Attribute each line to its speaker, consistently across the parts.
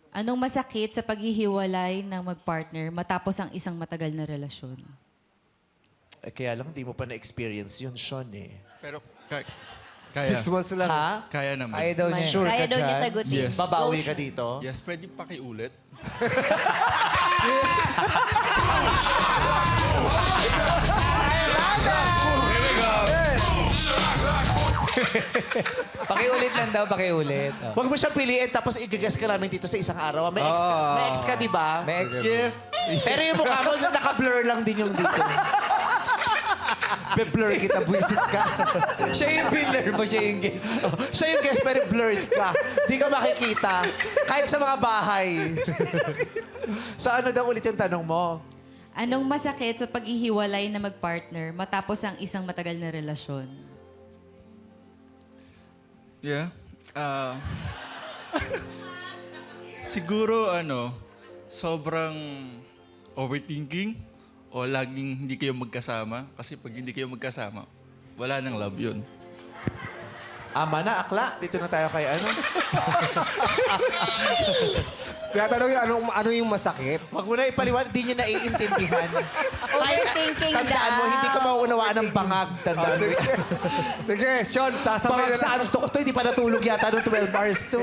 Speaker 1: Anong masakit sa paghihiwalay ng mag-partner matapos ang isang matagal na relasyon?
Speaker 2: Eh, kaya lang, di mo pa na-experience yun, Sean, eh.
Speaker 3: Pero, kaya.
Speaker 4: 6 months lang.
Speaker 2: Ha?
Speaker 3: Kaya naman.
Speaker 5: Kaya daw niya.
Speaker 2: Sure
Speaker 6: Kaya
Speaker 2: ka
Speaker 6: daw niya
Speaker 2: dyan?
Speaker 6: sagutin.
Speaker 3: Yes.
Speaker 2: Babawi ka dito?
Speaker 3: Yes, pwede pakiulit.
Speaker 5: Pakiulit lang daw, pakiulit. Oh.
Speaker 2: Huwag mo siyang piliin tapos igagas ka namin dito sa isang araw. May ex ka, di ba?
Speaker 5: May ex.
Speaker 2: Pero yung mukha mo, naka-blur lang din yung dito. Be-blur kita, buwisit ka.
Speaker 5: Siya yung pillar mo, siya yung guest.
Speaker 2: Siya yung guest, pero blurred ka. Di ka makikita. Kahit sa mga bahay. So ano daw ulit yung tanong mo?
Speaker 1: Anong masakit sa paghihiwalay na mag-partner matapos ang isang matagal na relasyon?
Speaker 3: Yeah. Siguro, sobrang overthinking o laging hindi kayo magkasama. Kasi pag hindi kayo magkasama, wala nang love yun.
Speaker 2: Ama na, akla. Dito na tayo kay ano.
Speaker 4: Tinatanong yung ano yung masakit.
Speaker 2: Huwag mo na ipaliwan, di nyo naiintindihan.
Speaker 6: Overthinking
Speaker 2: Tandaan mo,
Speaker 6: daw.
Speaker 2: hindi ka mauunawaan ng bangag. Tandaan mo.
Speaker 4: Sige, Sean, sasabay
Speaker 2: Bangag
Speaker 4: na
Speaker 2: sa antok to, hindi pa natulog yata nung 12 hours to.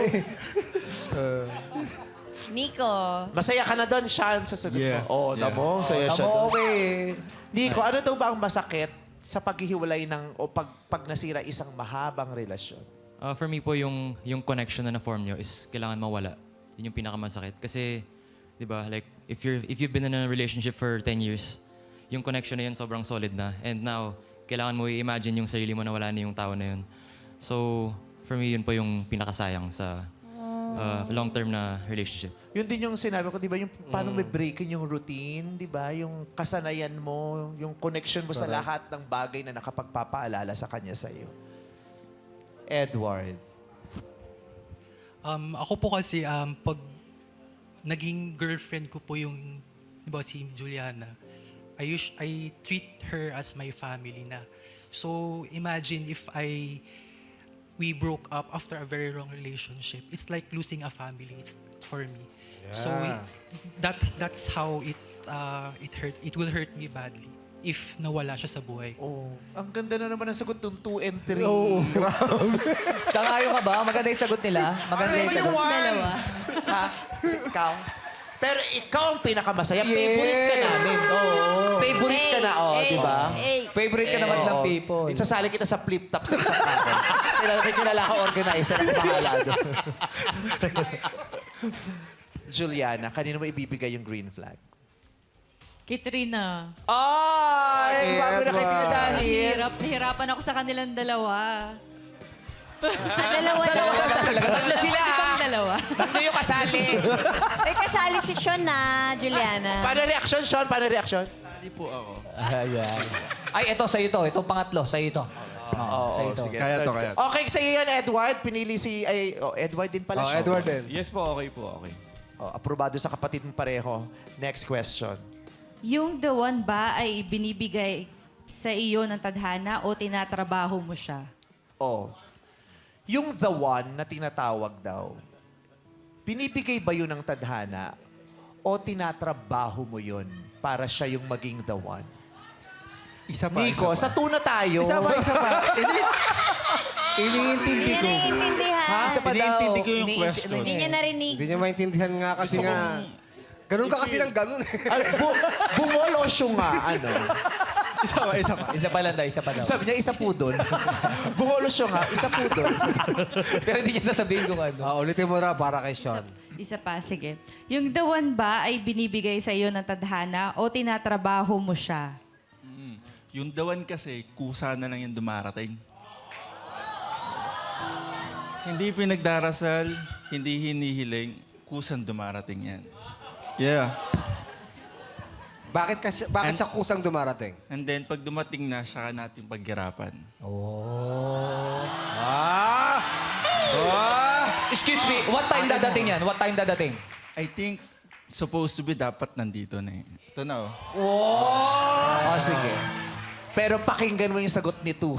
Speaker 6: Nico.
Speaker 2: Masaya ka na doon, Sean, sa sagot
Speaker 3: Yeah.
Speaker 2: mo. Oo, tamo, saya siya doon.
Speaker 5: Tamo, okay.
Speaker 2: Nico, ano daw ba ang masakit sa paghihiwalay ng o pag nasira isang mahabang relasyon?
Speaker 7: For me po, yung connection na na-form nyo is kailangan mawala. Yun yung pinakamasakit. Kasi, di ba, like, if you've been in a relationship for 10 years, yung connection na yun sobrang solid na. And now, kailangan mo i-imagine yung sarili mo na wala na yung tao na yun. So, for me, yun po yung pinakasayang sa long-term na relationship.
Speaker 2: Yun din yung sinabi ko, di ba, yung paano may breaking yung routine, di ba? Yung kasanayan mo, yung connection mo sa lahat ng bagay na nakapagpapaalala sa kanya sa'yo. Edward.
Speaker 8: Ako po kasi, pag naging girlfriend ko po yung, di ba, si Juliana, I treat her as my family na. So, imagine if we broke up after a very long relationship. It's like losing a family. It's for me.
Speaker 4: Yeah.
Speaker 8: So, that's how it hurt. It will hurt me badly if nawala siya sa buhay ko.
Speaker 2: Oh, ang ganda na naman ang sagot ng 2 and 3.
Speaker 5: Sangayo ka ba? Maganda yung sagot nila. Maganda yung sagot.
Speaker 1: Dalawa.
Speaker 2: Ha? Ikaw? Pero ikaw ang pinakamasaya. Favorite ka namin. Favorite ka na, di ba?
Speaker 5: Favorite ka naman ng people.
Speaker 2: Isasali kita sa flip-top sa isang araw. May kilala ka organizer. Ako bahala doon. Juliana, kanino mo ibibigay yung green flag?
Speaker 1: Katrina.
Speaker 2: Ay! Bago na kayo dahil.
Speaker 1: Nahirapan ako sa kanilang dalawa.
Speaker 6: Dalawa daw.
Speaker 5: Tatlo sila.
Speaker 1: Di ba ang dalawa?
Speaker 5: Tatlo yung kasali.
Speaker 6: May kasali si Sean na, Juliana.
Speaker 2: Paano reaction, Sean? Paano reaction?
Speaker 3: Sali po ako.
Speaker 5: Ayan. Ay, ito, sa'yo to. Itong pangatlo, sa'yo to.
Speaker 2: Oo,
Speaker 5: ito.
Speaker 2: sige.
Speaker 3: Kaya to,
Speaker 2: Third
Speaker 3: kaya
Speaker 2: ka. Okay, sa'yo yan, Edward. Pinili si... Edward din pala siya.
Speaker 4: Edward din.
Speaker 9: Yes po, okay po, okay.
Speaker 2: Aprobado sa kapatid mong pareho. Next question.
Speaker 1: Yung the one ba ay binibigay sa iyo ng tadhana o tinatrabaho mo siya?
Speaker 2: Oh. Yung the one na tinatawag daw, binibigay ba yun ng tadhana o tinatrabaho mo yun para siya yung maging the one?
Speaker 3: Isa pa,
Speaker 2: Nico,
Speaker 3: isa
Speaker 2: sa
Speaker 3: pa.
Speaker 2: tuna tayo.
Speaker 3: Isa pa.
Speaker 4: Iniintindi
Speaker 6: Hindi niya naiintindihan.
Speaker 5: Isa pa daw.
Speaker 3: Piniintindi ko yung question.
Speaker 6: Hindi niya narinig.
Speaker 4: Hindi niya maintindihan nga kasi nga. Ganun ka kasi ng ganun.
Speaker 2: Bumolosyo nga, ano.
Speaker 3: Isa pa.
Speaker 5: Isa pa lang daw, isa pa daw.
Speaker 2: Sabi niya, isa po doon. Bumolosyo nga, isa po doon.
Speaker 5: Pero hindi niya sasabihin kung ano.
Speaker 4: Ulitin mo na para kay Sean.
Speaker 1: Isa pa, sige. Yung the one ba ay binibigay sa iyo ng tadhana o tinatrabaho mo siya?
Speaker 3: Yung dawan kasi, kusa na lang yung dumarating. Hindi pinagdarasal, hindi hinihiling, kusang dumarating yan. Yeah.
Speaker 4: Bakit siya kusang dumarating?
Speaker 3: And then, pag dumating na, siya natin paghirapan.
Speaker 5: Excuse me, what time dadating yan? What time dadating?
Speaker 3: I think, supposed to be dapat nandito na eh. Ito na oh.
Speaker 2: Sige. Pero pakinggan mo yung sagot ni Tu.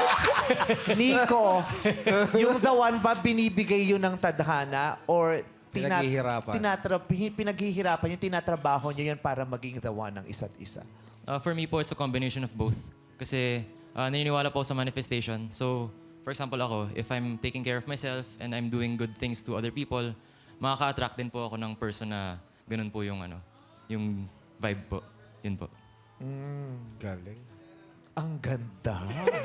Speaker 2: Nico, yung the one ba binibigay yun ng tadhana or
Speaker 4: Pinaghihirapan.
Speaker 2: pinaghihirapan yung tinatrabaho nyo yan para maging the one ng isa't isa?
Speaker 7: For me po, it's a combination of both. Kasi naniniwala po ako sa manifestation. So, for example ako, if I'm taking care of myself and I'm doing good things to other people, makaka-attract din po ako ng person na ganun po yung yung vibe po. Yun po.
Speaker 4: Galing.
Speaker 2: Ang ganda.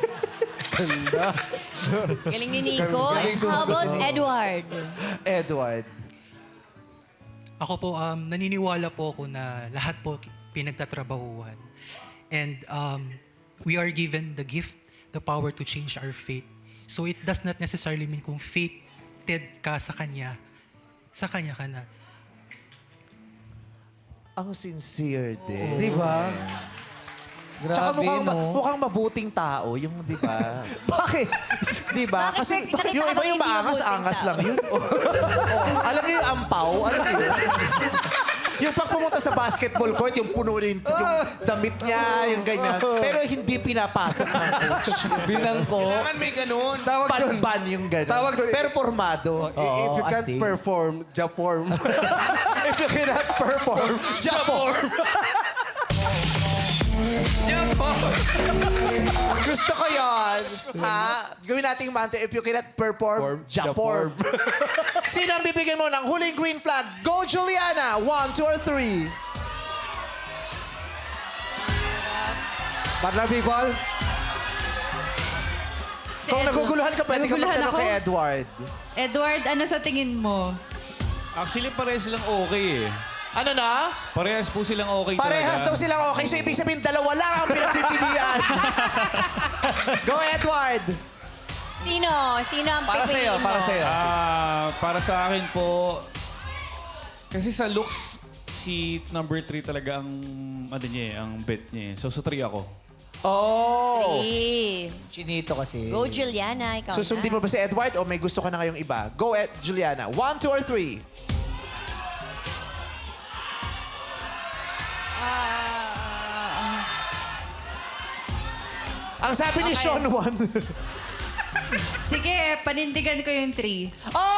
Speaker 6: Galing ni Nico. How about Edward?
Speaker 2: Edward.
Speaker 8: Ako po, naniniwala po ako na lahat po pinagtatrabahuhan. And we are given the gift, the power to change our fate. So it does not necessarily mean kung fated ka sa Kanya ka na.
Speaker 2: Ang sincere din.
Speaker 4: Di ba?
Speaker 2: Tsaka
Speaker 4: Grabe, no?
Speaker 2: mukhang mabuting tao yung, di ba? Bakit? Di ba?
Speaker 6: Bakit
Speaker 2: Kasi
Speaker 6: nakita
Speaker 2: yung
Speaker 6: ko
Speaker 2: iba yung
Speaker 6: hindi
Speaker 2: maangas
Speaker 6: mabuting
Speaker 2: lang yun. Alam niyo yung ampaw? Alam niyo yun? Yung pag pumunta sa basketball court, yung puno rin yung damit niya, yung ganyan. Pero hindi pinapasok ng coach.
Speaker 5: Binangko.
Speaker 9: Kailangan may ganun.
Speaker 4: Tawag doon.
Speaker 2: Ban yung ganun.
Speaker 4: Tawag doon.
Speaker 2: Pero formado.
Speaker 4: If you can't
Speaker 5: astig.
Speaker 4: perform, ja-form.
Speaker 2: If you cannot perform, ja-form. Gusto ko yan. Ha? Gawin nating mante. If you cannot perform, ja-form. Sino ang bibigyan mo ng huling green flag? Go, Juliana! 1, 2, or 3.
Speaker 4: Partner people,
Speaker 2: Kung naguguluhan ka, pwede ka
Speaker 1: Naguguluhan
Speaker 2: magtanong
Speaker 1: ako?
Speaker 2: kay Edward.
Speaker 1: Edward, ano sa tingin mo?
Speaker 9: Actually, parehas silang okay eh.
Speaker 2: Ano na?
Speaker 9: Parehas po silang okay
Speaker 2: Parehas daw
Speaker 9: talaga.
Speaker 2: silang okay. So, ibig sabihin, dalawa lang ang pinagpipilian. Go, Edward!
Speaker 6: Sino? Sino ang
Speaker 5: Para
Speaker 6: pipiliin
Speaker 5: sa'yo,
Speaker 6: mo?
Speaker 5: para sa'yo.
Speaker 9: Para sa akin po, kasi sa looks, si number 3 talaga ang, ang bet niya eh. So, sa 3 ako.
Speaker 2: Oh!
Speaker 5: Chinito kasi.
Speaker 6: Go, Juliana. Ikaw
Speaker 2: Susundin
Speaker 6: na.
Speaker 2: mo ba si Edward o may gusto ka na ngayong iba? Go, Juliana. 1, 2, or 3. Ang sabi ni
Speaker 1: Okay.
Speaker 2: Sean 1.
Speaker 1: Sige, panindigan ko yung 3.
Speaker 2: Oh!